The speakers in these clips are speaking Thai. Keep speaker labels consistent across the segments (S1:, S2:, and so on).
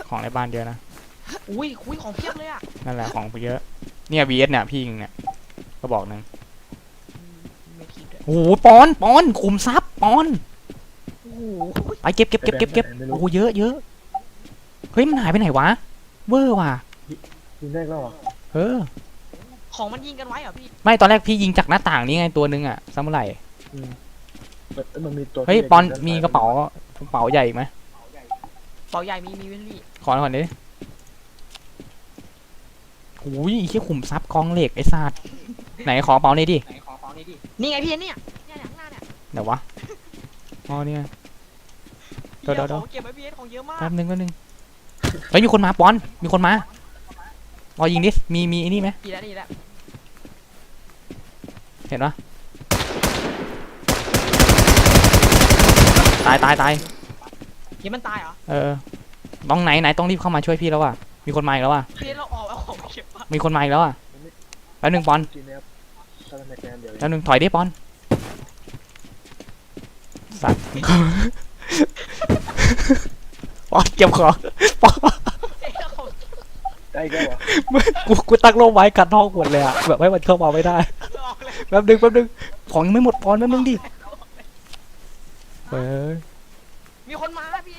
S1: ของในบ้านเยอะนะ
S2: อุ้ยของเพียบเลยอ่ะ
S1: นั่นแหละของเยอะเนี่ย VS เนี่ยพี่ยิงเนี่ยก็บอกนึงโอ้โหปอนขุมทรัพย์ปอน
S2: โอ้โห
S1: ไปเก็บโอ้โหเยอะเฮ้ยมันหายไปไหนวะเวอร์ว่ะ
S3: ยิงได้แล้วเหรอ
S2: ของมันยิงกันไว้เหรอพี่
S1: ไม่ตอนแรกพี่ยิงจากหน้าต่างนี่ไงตัวนึงอ่ะซัมเมอร์ไร
S3: มันมีตัว
S1: เฮ้ยปอนมีกระเป๋าใหญ่อีกไหม
S2: เป๋าใหญ่มีพี่
S1: ขอหน่อยดิโอ้ยแค่ขุมทรัพย์กองเหล็กไอ้สัตว์ไหนขอเป๋าหน่อยดิ
S2: นี่ไงพี่เนี่ยข้างหน้าเนี่ย
S1: เดี๋ยววะอ๋อเนี่ย
S2: เดี๋ยวของเก็บไว้พี่ของเยอะมาก
S1: แป๊บนึงเฮ้ยมีคนมาปอนมีคนมาพอยิงดิมีไอ้นี่ไหม
S2: ดีแล้ว
S1: เห็นปะตาย
S2: ยังมันตายเหรอ
S1: ต้องไหนต้องรีบเข้ามาช่วยพี่แล้วว่ะมีคนมาอีกแล้วว่ะ
S2: พี่เราออกเอาของเก็บป่ะ
S1: มีคนมาอีกแล้วอ่ะแป๊บนึงปอนแป๊บนึงถอยดิปอนสัตว์ปอนเก็บของปอน
S3: ได้ก็เหรอ
S1: กูตั้งโลไว้กัดท้องหมดเลยอ่ะแบบให้มันเข้ามาไม่ได้แป๊บนึงของยังไม่หมดปอนแป๊บนึงดิเฮ้ย
S2: มีคนมาพี่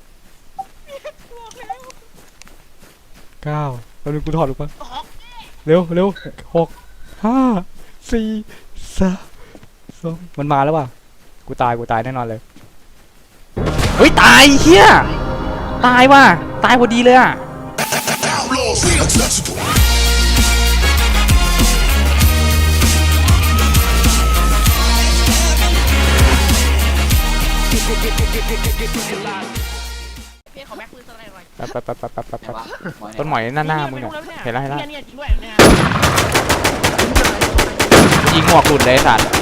S1: 9แป๊บนึงกูถอดลูกปะเร็ว6 5 4 3 2มันมาแล้วว่ะกูตายแน่นอนเลยเฮ้ยตายเฮียตายว่ะตายพอดีเลยอ่ะ
S2: พี่ขอแม็กปืนสไนเปอร์หน่อย
S1: ต้นหมอยหน้ามึงเห็นแล้ว
S2: เนี่ยจริงด้วยเนี่ย
S1: ยิงหมวกหลุดเลยสัตว์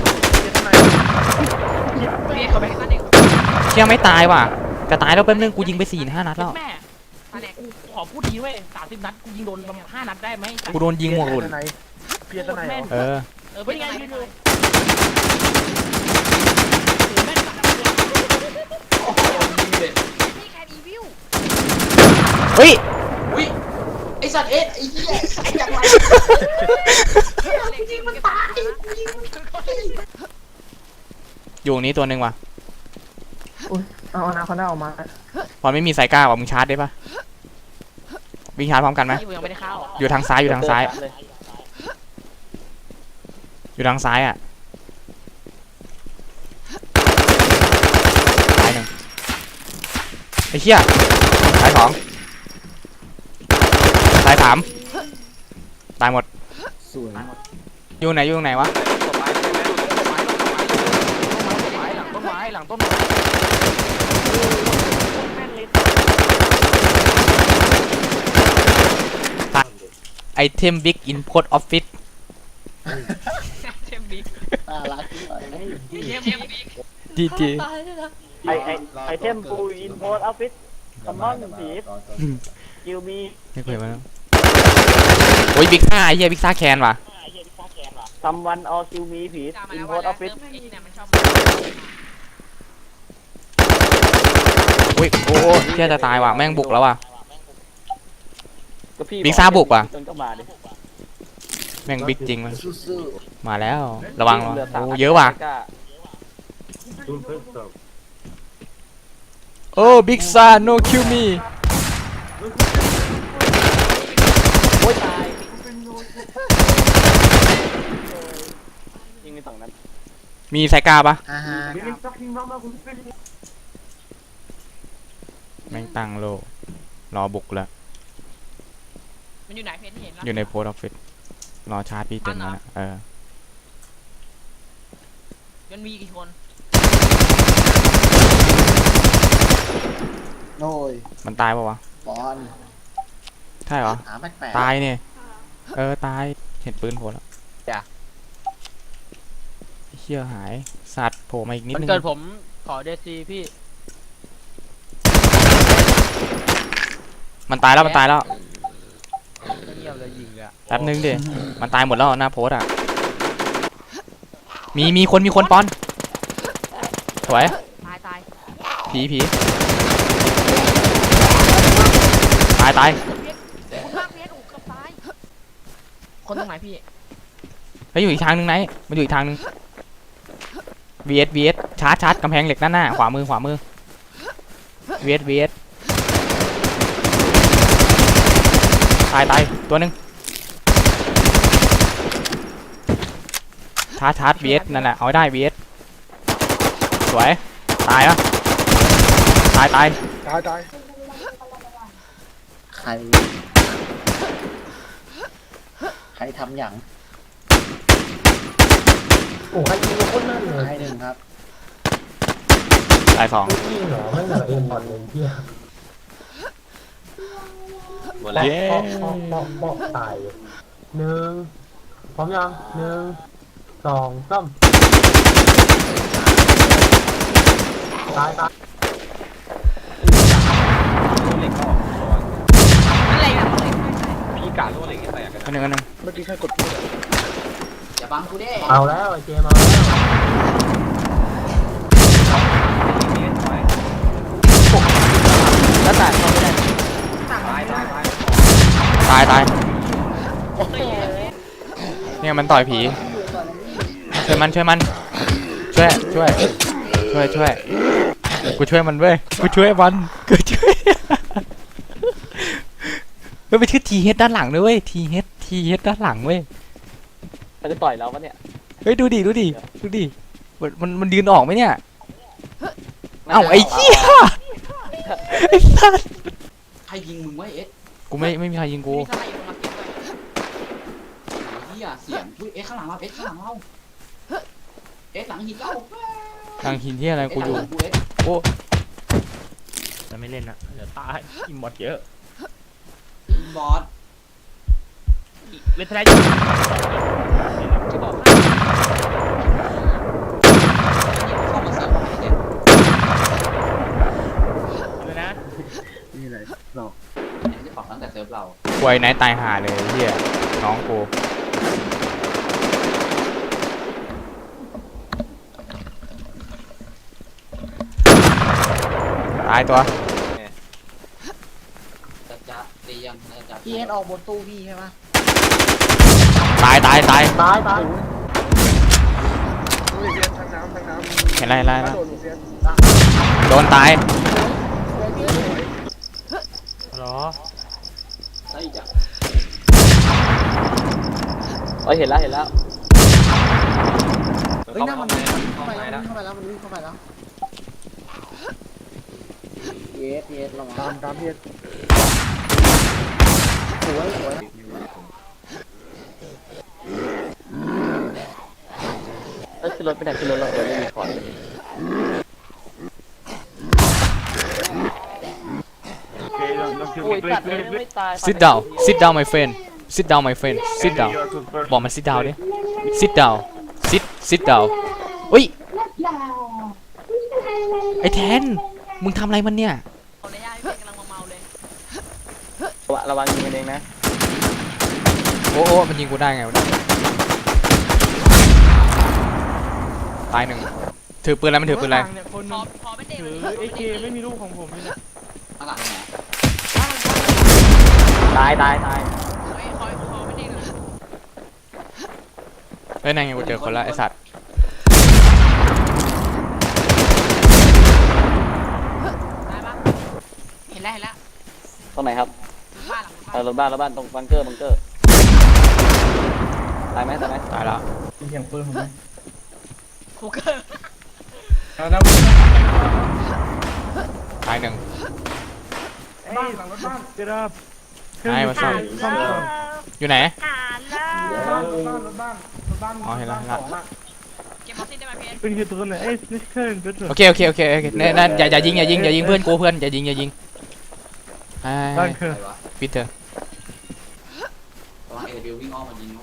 S2: พี่ขอแม็กนั่นเอง
S1: เชี่ยไม่ตายว่ะจะตายแล้วแป๊บนึงกูยิงไป4-5 นัดแล้ว
S2: แม่กูขอพูดดีเว้ย30 นัดกูยิงโดนประมาณ5 นัดได้ไหม
S1: กูโดนยิงหมวกหลุด
S3: เพียรตะไหน
S2: เป็นไงยืนดู
S1: เฮ้ย
S2: ไอสัตว์ไอ้เหี้ยไอ้จังไรจริงมันตาย
S1: อยู่นี้ตัวหนึ่งว่ะ
S3: เอานาคอนด้าออกมา
S1: พอไม่มีสายกล้าว่ะมึงชาร์จได้ปะวิ่งชาร์จพร้อมกันไหมอยู่ทางซ้ายอยู่ทางซ้ายอ่ะตายหนึ่งไอ้เหี้ยตาย2ตาย3ตายหมดอยู่ไหนวะ
S2: หลังต้นไม้
S1: ไอเทมบิ๊กอินโพสต์ออฟฟิศ
S2: เทมบิ๊ก
S3: รัก
S1: ดี
S3: ไอเทมปูอินโพสออฟฟิศคอมมอนผีคิวมี
S1: ไม่เคยมาแล้วโอ้ยบิ๊กซ่าไอ้เหี้ยบิ๊กซ่าแคนว่ะ
S3: ซัมวันออคิวมีผีอินโพสออฟฟิศ
S1: โอ้เหี้ยจะตายว่ะแม่งบุกแล้วว่ะบิ๊กซ่าบุกว่ะแม่งบิ๊กจริงมั้ยมาแล้วระวังโอ้เยอะว่ะโอ้บิ๊กซ่า no kill me
S3: โอ้ยตายยิงในฝั่งนั้น
S1: มีไซก้าปะแม่งตั้งโลรอบุกแล้ว
S2: มันอยู่ไหนเพจเห็นแล้ว
S1: อยู่ในโพสต์ออฟฟิศรอชาร์จพี่เต็มแล้วนะ
S2: มันมีกี่คน
S3: โอ้ย
S1: มันตายปะวะ
S3: บอล
S1: ใช่เหรอตายเนี่ยตายเห็นปืนโผล่แล้วเชี่ยหายสัตว์โผล่มาอีกนิดนึง
S2: มันเกิดผมขอเดซีพี่
S1: มันตายแล้ว
S2: เงียบเลยยิงเลย
S1: แป๊บนึงดิมันตายหมดแล้วหน้าโพสอ่ะมีคนปอนสวย
S2: ตาย
S1: ผีตาย
S2: คุณมากเพี้ยนอู่กับตายคนตรงไหนพี่
S1: เฮ้ยอยู่อีกทางนึงไหนมันอยู่อีกทางนึง VS ชาร์จกำแพงเหล็กด้านหน้าขวามือVS ตายตัวหนึงชาร์จ VS นั่นแหละเอาให้ได้ VS สวยตายแล้วตาย
S4: ตาย
S5: ใครทำอย่าง
S4: โอ้ใครยิงโคตรแม่นเลย
S5: ใครหนึ่งครับ
S1: ตายสอง
S4: ยิงเหรอไม่เหลือเอ็มบอลเลยเที่ย
S6: หมดแล้ว
S4: บอกตายหนึ่งพร้อมยัง1 2 3ตาย
S6: เหล็กก็ออกตัว
S2: อะไรอ่ะ
S6: พี่กาโล่เหล็กแตกกัน
S1: อันหนึ่ง
S6: เมื่อกี้ใครกดพูด
S5: อย่าบังกูดิ
S4: เอาแล้วไอ้เจมาแล้ว
S3: แล้วต่างเขาไม่ได้
S1: ตายเนี่ยมันต่อยผีช่วยมันช่วยกูช่วยมันเว้ยกูช่วยเฮ้ยไปชื่อ TH ด้านหลังด้วยเว้ย TH ด้านหลังเว้ย
S3: เขาจะต่อยเราปะเนี่ย
S1: เฮ้ยดูดิมันยืนออกไหมเนี่ยเอ้าไอ้เหี้ยไอ้สัส
S5: ใครยิงมึงไว้เอ็ด
S1: กูไม่มีใครยิงกู
S2: มีสไลด์ลงมาเก็บไว้
S5: เฮียเสียงอุ้ยเอ็ดข้างหลังเราเอ็ดข้างหลังเราเอ็ดหลังหินเรา
S1: ทางหินที่อะไรกูอยู่
S5: กูเอ็ด
S1: โอ้
S6: จะไม่เล่นนะเดี๋ยวตายอิมมอดเยอะ
S5: บอส
S6: เล่นทนายอยู่
S2: จะบอกให้
S5: เข้ามาเสิร์ฟให้เด็ด
S6: เลยนะ
S5: จะปรับตั้งแต่เซิร์ฟเรา
S1: ควยไหนตายห่าเลยไอ้เหี้ยน้องกูตายตัว
S5: จะตียังจะ
S3: พี่เอ็นออกบนตู้พี่ใช่ไหม
S1: ตาย
S4: ตาย
S1: เห็นไรแล้วโดนตาย
S6: หรอ
S5: ใช่จ้ะ
S3: เห็นแล้ว
S5: เฮ้ยนั่นมัน
S6: เข้าไปแล้ว
S5: เข้าไปแล้วมันวิ่งเข้าไปแล้ว
S3: พีเอสระวัง
S4: ตามเพียร
S3: สวยขึ้นรถไปไหนขึ้นรถเราไม่มีคอร์ดเลย โอ้ยตัดเลยไม่ตาย
S1: sit down my friendบอกมัน sit down ดิ sit down อุ้ยไอ้แทนมึงทำอะไรมันเนี่ย
S2: เอาในย่าพี่เพี้ยนกำลังเมาเลย
S3: ระวังยิงกันเองนะ
S1: โอ้มันยิงกูได้ไงวะเนี่ยตายหนึ่งถือปืนอะไรมันถือปืนอะไร
S6: เนี่ยคน
S2: พอเป็นเด็ก
S6: ถือเอเคไม่มีลูกของผมเลยนะ
S5: ข้างหลังไหน
S3: ตาย
S2: เฮ้ยคอยเป็นเด็กเลย
S1: เฮ้ยนั่นไงกูเจอคนละไอสัตว์
S2: ตายปะเห็นแล้ว
S3: ตรงไหนครับ
S2: บ้านหลัง
S3: รถบ้านตรงบังเกอร์ตายไหม
S1: ตายแล้ว
S4: เสียงปืนผมไหม
S2: คูเกอร์
S1: ตายหนึ่ง
S4: บ้านหลังรถบ้าน
S6: เจรับ
S1: ไอ้มาซ่อมอยู่ไหน
S4: รถบ้าน
S1: อ๋อเห็นแล้ว
S2: เก็บมอสซินได้ไหมเพี้ยน
S6: เป็นตัวไหนเอ้ยนี่เครื่องเป็นตัว
S1: โอเคเนี่ยนั่นอย่ายิงเพื่อนกูอย่ายิงไอ้
S6: ตั้งเครื่อง
S5: ใครวะ
S1: ปิดเถอะ
S5: ระวังเอวิววิ่งอ้อมมายิง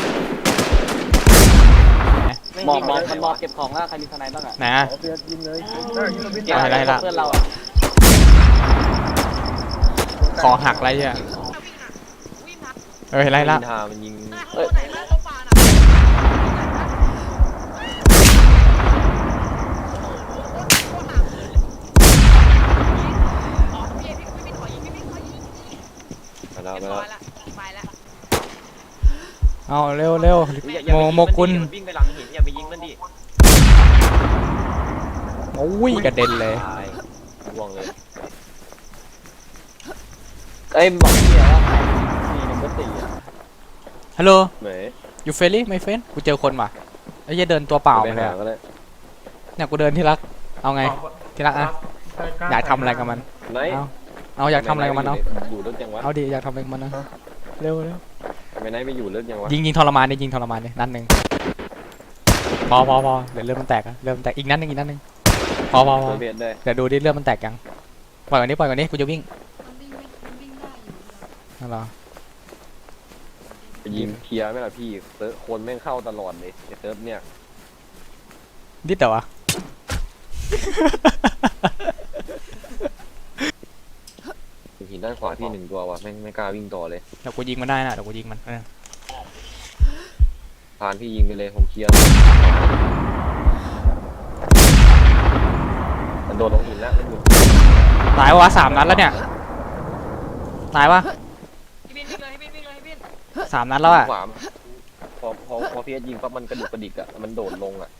S3: หมอบเก็บของแล้วใครมีทนายบ้างอ่ะ
S1: ไหนอะ
S4: เพียรยิงเลย
S3: เก็บเพื่อนเราอ่ะ
S1: ขอหักอะไรเนี่ย
S2: วิ่งทัก
S1: เห็นไรละ
S6: มันยิง
S2: ตัวไหนเลิกเข้าป่าน่ะอ๋อพี่ขอยิง
S3: แล้ว
S2: เรียบ
S3: ไป
S2: ร้
S3: แล้
S2: อ
S3: วย
S2: ละไปแล้ว
S1: เอาเร็วเร็ว
S3: อย่า
S1: โมกุล
S3: วิ่งไปหลังหินอย่าไปยิงมันดิ
S1: โอ้ยกระเด็นเลย
S3: ตายห่วงเลยเอ้ยบอกพี่แล้วว่านี่นัมเบอร์สี่อ่ะ
S1: ฮัลโหล
S3: เหมย
S1: อยู่เฟรลี่ไม่เฟนกูเจอคนว่ะไอ้เหี้ยเดินตัวเปล่า
S3: ไป
S1: มาเลย
S3: หา
S1: อะ
S3: ก็ได้
S1: เนี่ยกูเดินที่รักเอาไงที่รักอะอยากทำอะไรกับมัน
S3: ไหน
S1: เอาอยากทำอะไรกับมันเอา
S3: อยู่เลิกยังวะ
S1: เอาดิอยากทำอะไรกับมันนะเร็วเร็ว
S3: ไม่ไหนไม่อยู่เลิกยังวะ
S1: ยิงทรมานดิยิงทรมานดินัดหนึ่งพอเดี๋ยวเลือดมันแตกอะเลือดมันแตกอีกนัดหนึ่งพอ
S3: ตัวเบียดได้
S1: เดี๋ยวดูดิเลือดมันแตกยังปล่อยก่อนนี้กูจะวิ่ง
S7: มันวิ่งได้อยู่
S1: นั่นเหรอ
S3: ไปยิงเคลียร์ไหมล่ะพี่เซิร์ฟคนแม่งเข้าตลอดเลยไอ้เซิร์ฟเนี่ย
S1: นิดแต่วะ
S3: หินด้านขวาพี่หนึ่งตัววะแม่งไม่กล้าวิ่งต่อเลย
S1: เดี๋ยวกูยิงมันได้นะเดี๋ยวกูยิงมัน
S3: พานพี่ยิงไปเลยผมเคลียร์มันโดนลงหินแล้วมันอยู่
S1: ตายวะ3 นัดแล้วเนี่ยตายวะ
S2: พี่บินวิ่งเลยพี่บินวิ่งเลยพี่บิน
S1: 3 นัดแล้วอะ
S3: ขวาพอพี่ยิงปั๊บมันกระดุกกระดิกอะมันโดดลงอะ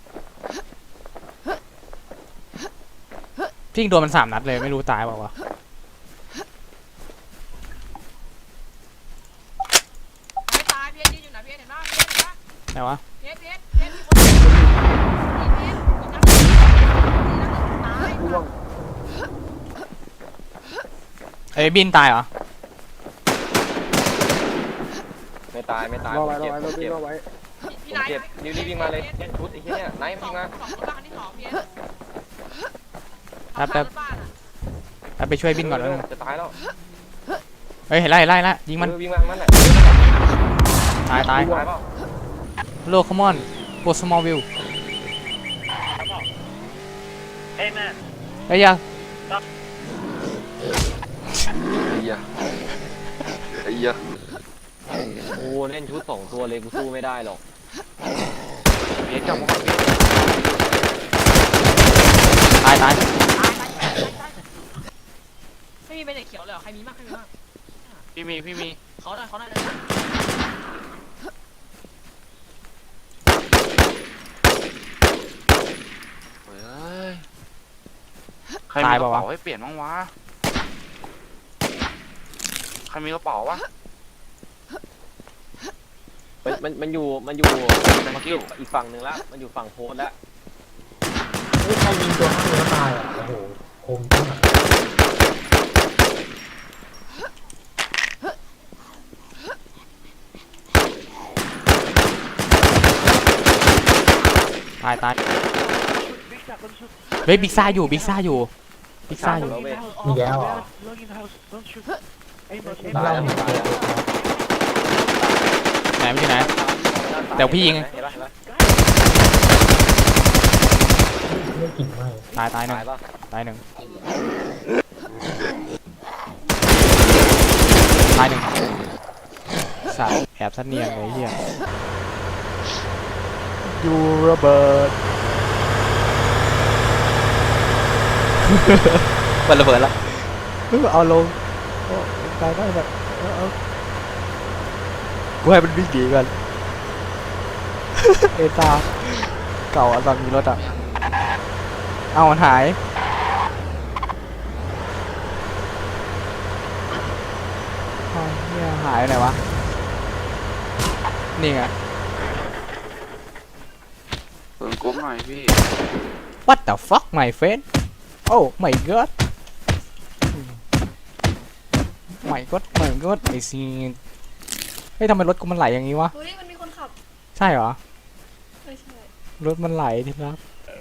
S1: พี่ยิงโดนมัน3 นัดเลยไม่รู้ตายเปล่าวะ
S2: ไม่ตายพี่ยืนอยู่ไหนพี่เห็นปะพี่เห็นปะ
S1: ไหนวะ
S2: พี่มีคนพี่ตาย
S1: เอ้ยบินตายเหรอ
S3: ไม่ตายผมเจ็บผมเจ็บ
S2: พี่
S3: ผม
S2: นาย
S3: เจ็บนี่วิ่งมาเลยเล่นชุดไอ้เหี้ยเนี่ยไนท์วิ่งมา
S2: สองบ้านที่สองพี่
S1: แป๊บไปช่วยบินก่อนแล้ว
S3: เร็
S1: นึ
S3: ว
S1: ง
S3: จะตายแล้ว
S1: เฮ้ยเห็นไล่ยิงมัน
S3: วิ่งมามันแหละ
S1: ตาย
S3: ตายเปล่า
S1: โลคอมอนโกสมอลวิว
S3: เฮ้ยแม่
S1: เฮ้ยยัง
S3: ไอ้เหี้ยโอ้เล่นชุด2 ตัวเลยกูสู้ไม่ได้หรอกเบียดจับมัน
S1: ตาย
S2: ไม่มีเป็นเด็กเขียวเลยใครมีมากใครมีมาก
S6: พี่มี
S2: เขาหน่อย
S6: เฮ้ยใครมีกระเป๋าให้เปลี่ยนบ้างวะใครมีกระเป๋าวะ
S3: มันอยู่อีกฝั่งหนึ่งแล้วมันอยู่ฝั่งโพสแล้ว
S4: เฮ้ยใครยิงตัวข้างเนื้อตายอ่ะโอ้โหคมจังอะ
S1: ตายเฮ้ยบิ๊กซ่าอยู่
S4: มีแล้วเหรอ
S3: ตายแล้ว
S1: ไหนมันอยู่ไหน เดี๋ยวพี่ยิง
S3: เห็นปะ
S4: ไม่กลิ่นไหม
S1: ตายหนึ่ง
S3: ตายปะ
S1: ตายหนึ่งสัตว์แอบสันเนียนเลยเฮียยูระเบิด มันระเบิดแล้วเอาลงตายได้แบบกูให้มันวิ่งหนีกัน เอตาเก่าตอนมีรถอ่ะเอามันหายเอาเนี่ยหายไปไหนวะนี่ไง
S6: เปิดกรุ๊ปหน่อยพี่
S1: What the fuck my friend Oh my god my god ไอซีเฮ้ยทำไมรถกูมันไหลอย่างงี้วะ
S7: ดูดิมันมีคนขับ
S1: ใช่เหรอ
S7: ไม่ใช่
S1: รถมันไหลทีครับ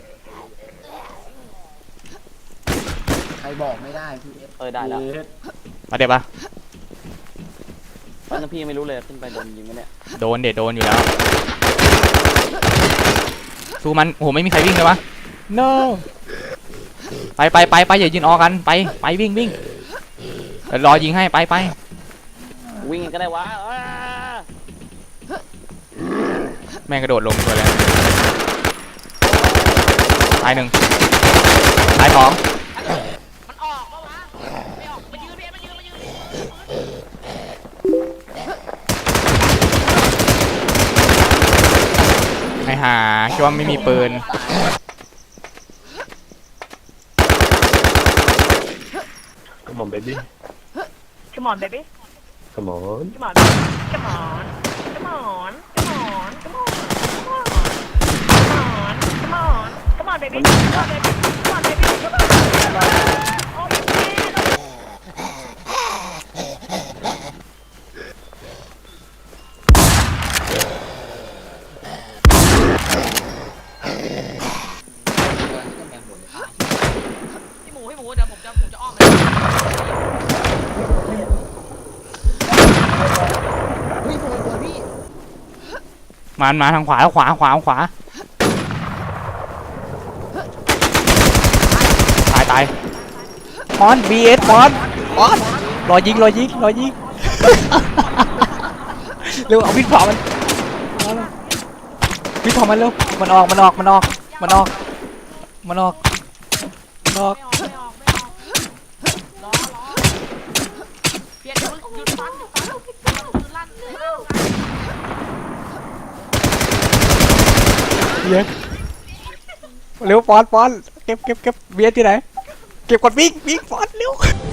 S5: ใครบอกไม่ได้พี่เอฟ
S3: ได้แล้ว
S1: มาเดี๋ยวปะ
S3: ตอนนั้นพี่ไม่รู้เลยขึ้นไปโดนยิงไหมเนี่ย
S1: โดนอยู่แล้วสู้มันโอ้โหไม่มีใครวิ่งเลยวะ no ไปอย่ายืนออกกันไปวิ่งเดี๋ยวรอยิงให้ไป
S3: วิ่งก็ได้วะ
S1: แม่งกระโดดลงตัวเลยตายหนึ่งตายสอง
S2: มันออกปะวะไม่ออกมายืนพี่มายืน
S1: ห่าคิดว่าไม่มีปืน
S4: Come on baby
S2: Come on baby
S4: Come on
S2: Come on Come on Come on Come on Come on Come on Come on baby Come on baby Come on baby Come on Oh yeah พี่หมูเดี๋ยวผมจะอ้อมไป
S5: เฮ้ยเปิดพี่
S1: มาทางขวาขวาตายมอน BS มอนรอยิง เร็วเอาวิทย์เผามันวิทย์เผามันเร็วมันออกเปลี่ยนเดี๋ยวหยุดฟันลั่นเร็วปอนเก็บเบียร์ที่ไหนเก็บก่อนวิ่งปอนเร็ว